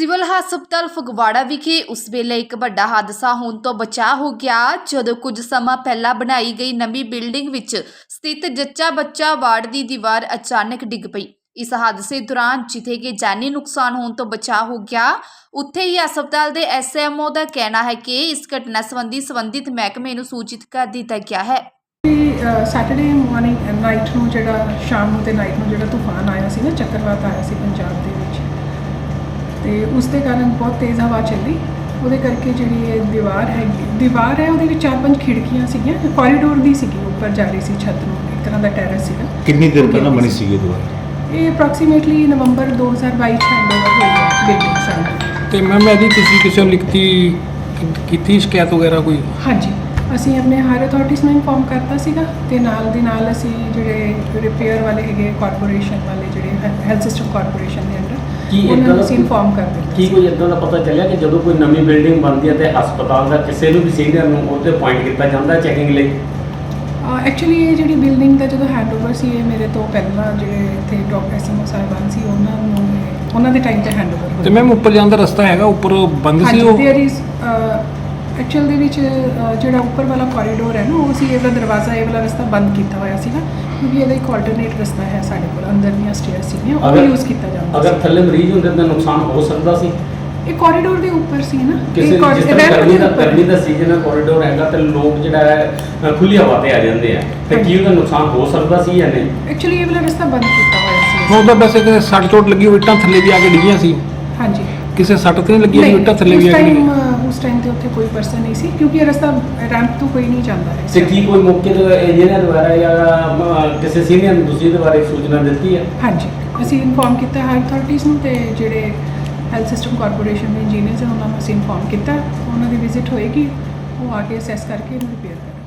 Civil ਹਸਪਤਾਲ ਫਗਵਾੜਾ ਵਿਖੇ ਉਸ ਵੇਲੇ ਇੱਕ ਵੱਡਾ ਹਾਦਸਾ ਹੋਣ ਤੋਂ ਬਚਾ ਹੋ ਗਿਆ ਜਦੋਂ ਕੁਝ ਸਮਾਂ ਪਹਿਲਾਂ ਬਣਾਈ ਗਈ ਨਵੀਂ ਬਿਲਡਿੰਗ ਵਿੱਚ ਸਥਿਤ ਜੱਚਾ ਬੱਚਾ ਵਾਰਡ ਦੀ ਦੀਵਾਰ ਅਚਾਨਕ ਡਿੱਗ ਪਈ। ਇਸ ਹਾਦਸੇ ਦੌਰਾਨ ਜਿੱਥੇ ਕਿ ਜਾਨੀ ਨੁਕਸਾਨ ਹੋਣ ਤੋਂ ਬਚਾ ਹੋ ਗਿਆ, ਉੱਥੇ ਹੀ ਹਸਪਤਾਲ ਦੇ ਐਸਐਮਓ ਦਾ ਕਹਿਣਾ ਹੈ ਕਿ ਇਸ ਘਟਨਾ ਸੰਬੰਧੀ ਸੰਬੰਧਿਤ ਮਹਿਕਮੇ ਨੂੰ ਸੂਚਿਤ ਕਰ ਦਿੱਤਾ ਗਿਆ ਹੈ। ਸੈਟਰਡੇ ਮਾਰਨਿੰਗ ਨਾਈਟ ਨੂੰ ਜਿਹੜਾ ਸ਼ਾਮ ਨੂੰ ਤੇ ਨਾਈਟ ਨੂੰ ਜਿਹੜਾ ਤੂਫਾਨ ਆਇਆ ਸੀ ਨਾ, ਚੱਕਰਵਾਤ ਆਇਆ ਸੀ ਪੰਜਾਬ ਦੇ ਵਿੱਚ, ਤੇ ਉਸ ਦੇ ਕਾਰਨ ਬਹੁਤ ਤੇਜ਼ ਹਵਾ ਚੱਲੀ। ਉਹਦੇ ਕਰਕੇ ਜਿਹੜੀ ਇਹ ਦੀਵਾਰ ਹੈ ਉਹਦੇ ਵਿੱਚ 4-5 ਖਿੜਕੀਆਂ ਸੀਗੀਆਂ, ਕੋਰੀਡੋਰ ਦੀ ਸੀਗੀ, ਉੱਪਰ ਜਾ ਰਹੀ ਸੀ ਛੱਤ ਨੂੰ, ਇੱਕ ਤਰ੍ਹਾਂ ਦਾ ਟੈਰੇਸ ਸੀਗਾ। ਕਿੰਨੀ ਦੇਰ ਪਹਿਲਾਂ ਬਣੀ ਸੀਗੀ ਦੀਵਾਰ? ਇਹ ਅਪਰੋਕਸੀਮੇਟਲੀ ਨਵੰਬਰ 2022 ਚ ਹੈਂਡਓਵਰ ਹੋਈ ਹੈ ਬਿਲਡਿੰਗ ਸਾਨੂੰ। ਤੇ ਮੈਮ ਇਹਦੀ ਤੁਸੀਂ ਕਿਸੇ ਨੂੰ ਲਿਖਤੀ ਕੀਤੀ ਸ਼ਿਕਾਇਤ ਵਗੈਰਾ ਕੋਈ? ਹਾਂਜੀ, ਅਸੀਂ ਆਪਣੇ ਹਾਇਰ ਅਥਾਰਟੀਜ਼ ਨੂੰ ਇਨਫੋਰਮ ਕਰਤਾ ਸੀਗਾ, ਤੇ ਨਾਲ ਦੀ ਨਾਲ ਅਸੀਂ ਜਿਹੜੇ ਰਿਪੇਅਰ ਵਾਲੇ ਹੈਗੇ ਕਾਰਪੋਰੇਸ਼ਨ ਵਾਲੇ, ਜਿਹੜੇ ਹੈਲਥ ਸਿਸਟਮ ਕਾਰਪੋਰੇਸ਼ਨ ਦੇ ਅੰਡਰ, ਉਹਨਾਂ ਨੂੰ ਅਸੀਂ ਇਨਫੋਰਮ ਕਰ ਦਿੱਤਾ। ਕੀ ਕੋਈ ਇੱਦਾਂ ਦਾ ਪਤਾ ਚੱਲਿਆ ਕਿ ਜਦੋਂ ਕੋਈ ਨਵੀਂ ਬਿਲਡਿੰਗ ਬਣਦੀ ਹੈ ਤੇ ਹਸਪਤਾਲ ਦਾ ਕਿਸੇ ਨੂੰ ਵੀ ਸੀਨੀਅਰ ਨੂੰ ਉਹਦੇ ਪੁਆਇੰਟ ਕੀਤਾ ਜਾਂਦਾ ਚੈਕਿੰਗ ਲਈ? ਐਕਚੁਅਲੀ ਇਹ ਜਿਹੜੀ ਬਿਲਡਿੰਗ ਦਾ ਜਦੋਂ ਹੈਂਡਓਵਰ ਸੀ, ਇਹ ਮੇਰੇ ਤੋਂ ਪਹਿਲਾਂ ਜਿਹੜੇ ਇੱਥੇ ਡਾਕਟਰ ਐਸਐਮਓ ਸਾਹਿਬਾਨ ਸੀ, ਉਹਨਾਂ ਦੇ ਟਾਈਮ ਤੇ ਹੈਂਡਓਵਰ ਹੋਇਆ। ਤੇ ਮੈਮ ਉੱਪਰ ਜਾਣ ਦਾ ਰਸਤਾ ਹੈਗਾ, ਉੱਪਰ ਬੰਦ ਸੀ ਉਹ? ਐਕਚੁਅਲ ਦੇ ਵਿੱਚ ਜਿਹੜਾ ਉੱਪਰ ਵਾਲਾ ਕੋਰੀਡੋਰ ਹੈ ਨਾ, ਉਹ ਸੀ, ਇਹਦਾ ਦਰਵਾਜ਼ਾ, ਇਹ ਵਾਲਾ ਰਸਤਾ ਬੰਦ ਕੀਤਾ ਹੋਇਆ ਸੀਗਾ, ਕਿਉਂਕਿ ਇਹਦਾ ਇੱਕ ਆਲਟਰਨੇਟ ਰਸਤਾ ਹੈ ਸਾਡੇ ਕੋਲ, ਅੰਦਰ ਦੀਆਂ ਸਟੇਅਰ ਸੀਗੀਆਂ, ਉਹ ਯੂਜ਼ ਕੀਤਾ ਜਾਂਦਾ। ਅਗਰ ਥੱਲੇ ਮਰੀਜ਼ ਹੁੰਦੇ ਤਾਂ ਨੁਕਸਾਨ ਹੋ ਸਕਦਾ ਸੀ। ਇਹ ਕੋਰੀਡੋਰ ਦੇ ਉੱਪਰ ਸੀ ਨਾ, ਕਿਸੇ ਗਰਮੀ ਦਾ ਸੀਜ਼ਨ ਹੈ, ਕੋਰੀਡੋਰ ਹੈਗਾ ਤੇ ਲੋਕ ਜਿਹੜਾ ਹੈ ਖੁੱਲੀ ਹਵਾ ਤੇ ਆ ਜਾਂਦੇ ਆ, ਤੇ ਕੀ ਉਹਦਾ ਨੁਕਸਾਨ ਹੋ ਸਕਦਾ ਸੀ ਜਾਂ ਨਹੀਂ? ਐਕਚੁਅਲੀ ਇਹ ਵਾਲਾ ਰਸਤਾ ਬੰਦ ਕੀਤਾ ਹੋਇਆ ਸੀ। ਉਹਦਾ ਵੈਸੇ ਕਿ ਸੱਟ ਚੋਟ ਲੱਗੀ ਹੋਈ, ਇੱਟਾਂ ਥੱਲੇ ਵੀ ਆ ਕੇ ਡਿੱਗੀਆਂ ਸੀ? ਹਾਂਜੀ, ਕਿਸੇ ਸੱਟ ਤੇ ਨਹੀਂ ਲੱਗੀ ਹੋਈ, ਇੱਟਾਂ ਥੱਲੇ ਵੀ ਆ ਕੇ ਡਿੱਗੀਆਂ? ਉਸ ਟਾਈਮ ਤੇ ਉੱਥੇ ਕੋਈ ਪਰਸਨ ਨਹੀਂ ਸੀ, ਕਿਉਂਕਿ ਇਹ ਰਸਤਾ ਰੈਂਪ ਤੋਂ ਕੋਈ ਨਹੀਂ ਜਾਂਦਾ ਹੈ। ਤੇ ਕੀ ਕੋਈ ਮੌਕੇ ਤੇ ਇੰਜੀਨੀਅਰ ਦੁਆਰਾ ਜਾਂ ਕਿਸੇ ਸੀਨੀਅਰ ਨੂੰ ਤੁਸੀਂ ਇਹਦੇ ਬਾਰੇ ਸੂਚਨਾ ਦਿੱਤੀ ਹੈ? ਹਾਂਜੀ, ਅਸੀਂ ਇਨਫੋਰਮ ਕੀਤਾ ਹਾਇਰ ਅਥਾਰਟੀਜ਼ ਨੂੰ, ਤੇ ਜਿਹੜੇ ਹੈਲਥ ਸਿਸਟਮ ਕਾਰਪੋਰੇਸ਼ਨ ਦੇ ਇੰਜੀਨੀਅਰਸ ਹਨ ਉਹਨਾਂ ਨੂੰ ਅਸੀਂ ਇਨਫੋਰਮ ਕੀਤਾ। ਉਹਨਾਂ ਦੀ ਵਿਜ਼ਿਟ ਹੋਏਗੀ, ਉਹ ਆ ਕੇ ਅਸੈਸ ਕਰਕੇ ਇਹਨੂੰ ਰਿਪੇਅਰ ਕਰਨਗੇ।